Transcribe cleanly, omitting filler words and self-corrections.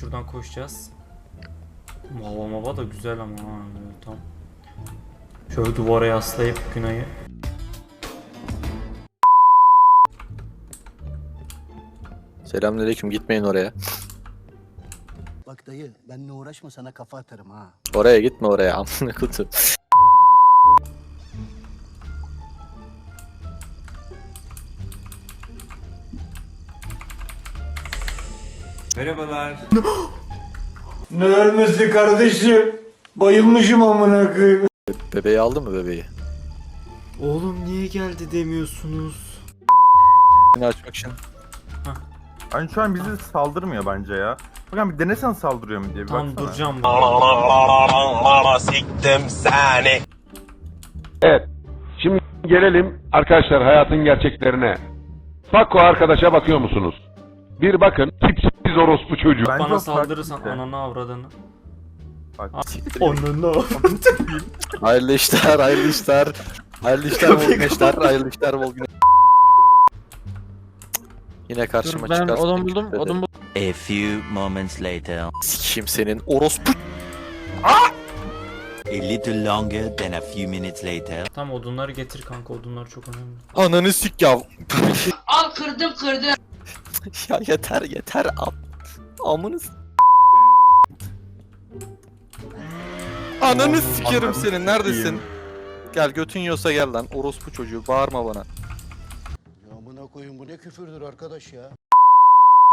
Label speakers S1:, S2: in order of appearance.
S1: şuradan koşacağız. Mava da güzel ama ha. Tamam. Şöyle duvara yaslayıp Günay'ı.
S2: Selamünaleyküm, gitmeyin oraya.
S3: Bak dayı benimle uğraşma sana kafa atarım ha.
S2: Oraya gitme oraya amına kutu.
S1: Merhabalar.
S4: Ne ölmesi kardeşim? Bayılmışım amına koyayım.
S2: Bebeği aldın mı bebeği?
S1: Oğlum niye geldi demiyorsunuz?
S2: Seni açmak için.
S5: Hani şu an bizi saldırmıyor bence ya. Bakın bir denesen saldırıyor mu diye bir
S1: Tam
S5: baksana.
S1: duracağım.
S6: Siktim seni.
S7: Evet. Şimdi gelelim arkadaşlar hayatın gerçeklerine. Fakko arkadaşa bakıyor musunuz? Bir bakın tipsiz orospu çocuğu.
S5: Bence
S1: Bana
S5: o
S1: saldırırsan
S5: farklı bir şey.
S1: ananı avradını.
S5: Bak.
S1: Ananı avradını.
S2: Hayırlı işler, hayırlı işler. Hayırlı işler, bol güneşler, hayırlı işler, bol güneş. Yine karşıma
S8: Ben
S2: çıkarsın.
S8: odun buldum.
S6: A few moments later.
S2: Sikeyim senin orospu.
S6: A little longer than a few minutes later.
S1: Tam odunları getir kanka, odunlar çok önemli.
S2: Ananı sik ya.
S9: Al kırdım.
S2: Ya yeter amınız. Ananı sikerim senin, neredesin? Gel götün yiyorsa gel lan, orospu çocuğu, bağırma bana.
S3: Ya amına koyun bu ne küfürdür arkadaş ya.